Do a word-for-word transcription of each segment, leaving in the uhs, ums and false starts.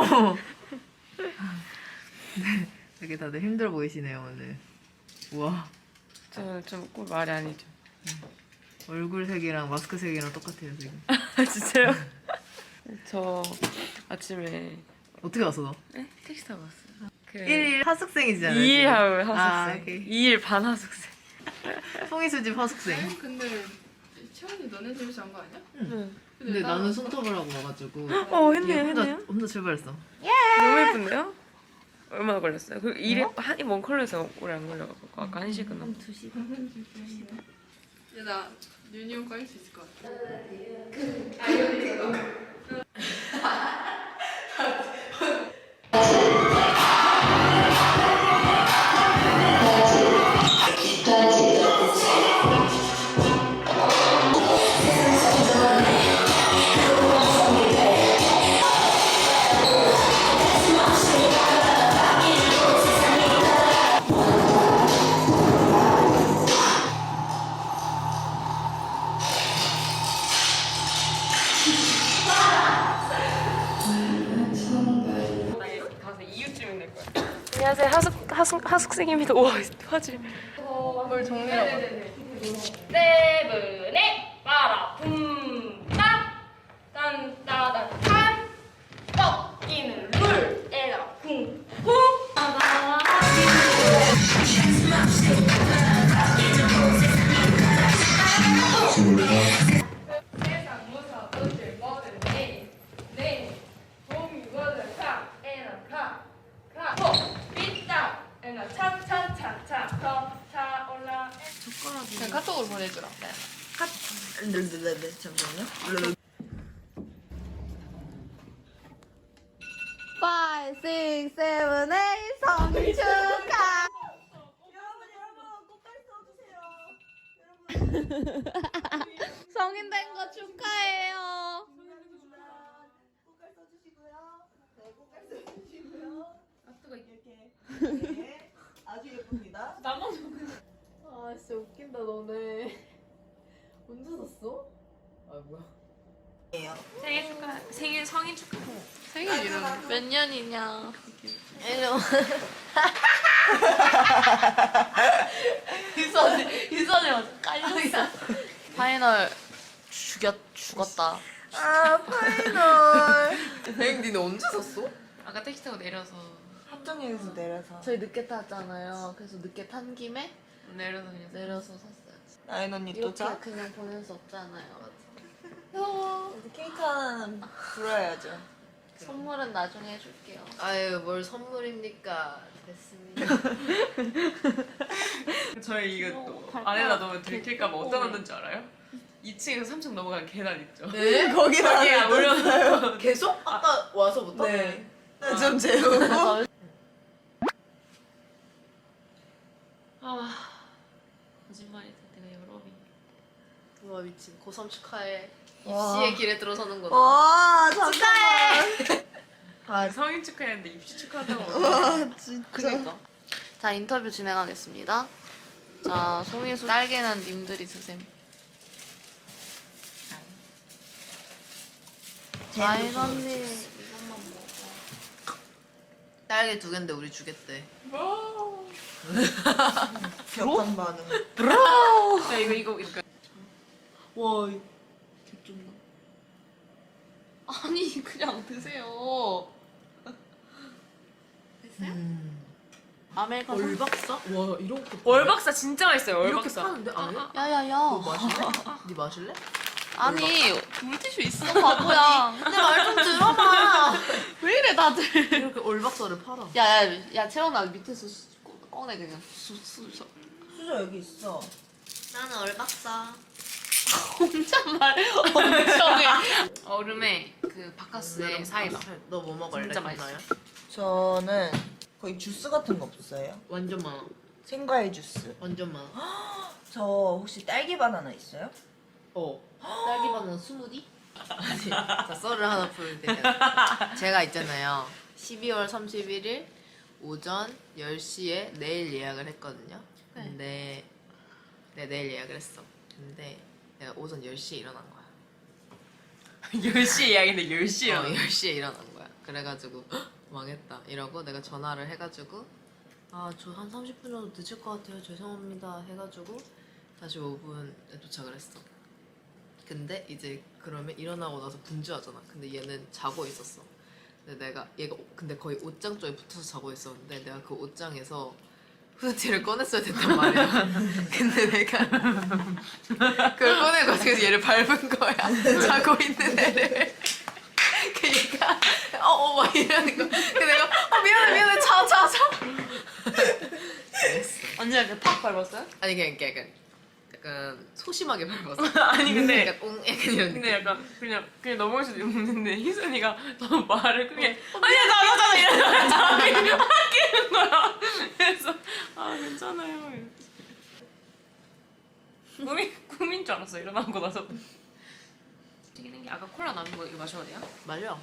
어. 네, 되게 다들 힘들어 보이시네요 오늘. 우와. 저좀 말이 아니죠. 얼굴 색이랑 마스크 색이랑 똑같아요 지금. 아 진짜요? 저 아침에 어떻게 왔어 너? 네? 택시 타고 왔어요. 그 일 일 하숙생이잖아요. 이 일 지금. 하울 아, 하숙생. 오케이. 이 일 반 하숙생. 송이수집 하숙생. 근데 채원이 너네 집에서 한 거 아니야? 응. 근데 나는 손톱을 하고 와가지고. 어 했네요 얘 혼자 했네요. 혼자 출발했어. 너무 예쁜데요? 얼마나 걸렸어요? 그 일이 한이 먼 컬러에서 오래 안 걸려가지고 아까 한 시간 넘. 두 시간. 야, 나 유니온 깔 수 있을 것 같아. 가서 이유쯤인 될 거야. 안녕하세요 하숙 하숙 하숙생입니다. 와 화질. 뭘 정리하고. 세븐에 빠라 붐딱 딴따단 탄 꺾이는 룰 에라 쿵쿵 따다 세상 무서운 뭐든 네네 봄이 뭐든 카 에라 카카호 삐딱 에라 차차차차 더 차올라 그냥 카톡으로 보내주라. 네네네 잠시만요. five, six, seven, eight 생일 축하. 성인 된 거 축하해요. 꽃갈 써주시고요. 네, 꽃갈 써주시고요. 이렇게 네, 아주 예쁩니다. 아 진짜 웃긴다 너네. 언제 샀어? 아 뭐야? 생일 축하 생일 성인 축하. 생일 이름. 몇 년이냐? 유선이 유선이 완전 깔렸어. 파이널 죽였 죽었다. 아 파이널. 행 니네 언제 샀어? 아까 택시 타고 내려서 합정역에서 내려서 저희 늦게 탔잖아요. 그래서 늦게 탄 김에 내려서 그냥 내려서 샀어요. 나인 언니 또 이렇게 자? 그냥 보낼 수 없잖아요. 케이크 하나는 불어야죠. 선물은 나중에 해줄게요. 아유 뭘 선물입니까? 됐습니다. 저희 이거 또 안에다 넣으면 들킬까봐 어디다 넣는 줄 알아요? 이 층에서 삼 층 넘어가는 계단 있죠? 네? 거기다 거기에 올려놓고 계속? 아까 와서부터? 네. 네, 좀 재우고. 아 거짓말이다 내가 여러분. 우와 미친 고삼 축하해. 와. 입시의 길에 들어서는 거다. 와 잠깐만. 아 성인 축하했는데 입시 축하한다고. 와 진짜. 그니까. 자 인터뷰 진행하겠습니다. 자 송이수 딸기는 님들이 드셈. 아인 언니 이것만 먹어. 딸기 두 갠데 우리 주겠대. 격한 반응. 야 이거 이거 이거. 와 개쩐다. 아니 그냥 드세요. 음. 아메리카노. 얼박사? 와 이런 거 월박사 진짜 맛있어요. 이렇게 월박사. 파는데 아예? 야야야. 너 마실래? 네 마실래? 아니 물티슈 있어 바보야. 내 말 좀 들어봐. 왜 이래 다들. 이렇게 얼박사를 팔아. 야야 야 채원아 밑에서 수- 꺼- 꺼내 그냥 수, 수, 수. 수저 여기 있어. 나는 얼박사. 혼잣말 엄청 해. 얼음에 그 바카스의 사이다. 너 뭐 먹을래? 진짜 맛있어요. 저는 거의 주스 같은 거 없어요? 완전 많아. 생과일 주스. 완전 많아. 저 혹시 딸기 바나나 있어요? 어. 딸기 바나나 스무디? 아니, 자 썰을 하나 풀게요. 제가 있잖아요. 십이월 삼십일일 오전 열 시에 내일 예약을 했거든요. 근데 네 내일 예약을 했어. 근데 내가 오전 열 시에 일어난 거야. 열 시에 예약인데 열 시에 어, 열 시에 일어난 거야. 그래가지고 헉, 망했다 이러고 내가 전화를 해가지고 아 저 한 삼십 분 정도 늦을 것 같아요 죄송합니다 해가지고 다시 오 분에 도착을 했어. 근데 이제 그러면 일어나고 나서 분주하잖아. 근데 얘는 자고 있었어. 근데 내가 얘가 근데 거의 옷장 쪽에 붙어서 자고 있었는데 내가 그 옷장에서 후드티를 꺼냈어야 됐단 말이야. 근데 내가 그걸 꺼내가지고 얘를 밟은 거야. 자고 있는 애를. 그 얘가 어어 막 이러는 거. 근데 내가 어 미안해 미안해 자 자 자. 그랬어. 언니가 이렇게 팍 밟았어요? 아니 그냥 이렇게 약간 약간 소심하게 밟았어. 아니 근데 약간 옹 약간 이런. 근데 약간 그냥 그냥 넘어갈 수도 있는데 희순이가 더 말을 크게 아니야 나 나잖아 이러면서 자기 아끼는 거야. 그래서 아 괜찮아요. 꿈이 꿈인 줄 알았어 일어나고 나서. 튀기는 게 아까 콜라 남은 거 이거 마셔도 돼요? 말려.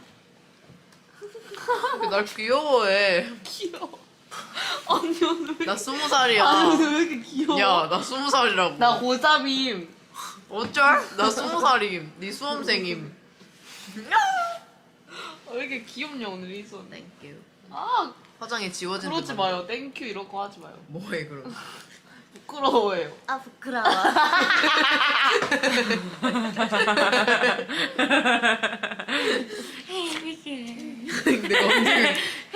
날 귀여워해. 귀여워. 언니 오늘 왜 나 스무 살이야. 아니 오늘 왜 이렇게 귀여워? 야, 나 스무 살이라고. 나 고삼임. 어쩔? 나 스무 살임. 네 수험생임. 왜 이렇게 귀엽냐 오늘 이 손. 땡큐. 아 화장이 지워진 그러지 듯한- 마요. 땡큐 이런 거 하지 마요. 뭐해 그럼? 부끄러워해요. 아 부끄러워. 내가 언제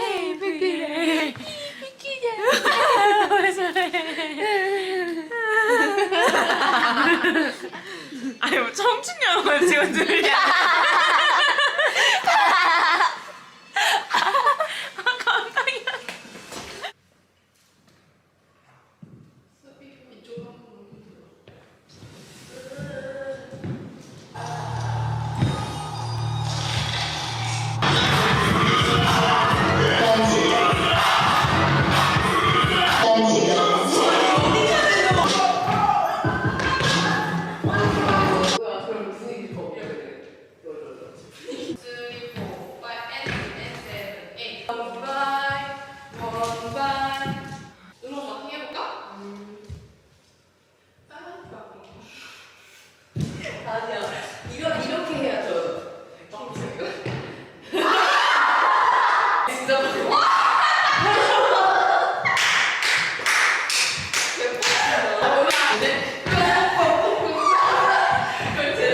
아니 뭐 청춘 영화 찍어주냐?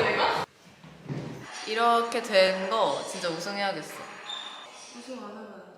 이렇게 된 거 진짜 우승해야겠어. 우승 안 하면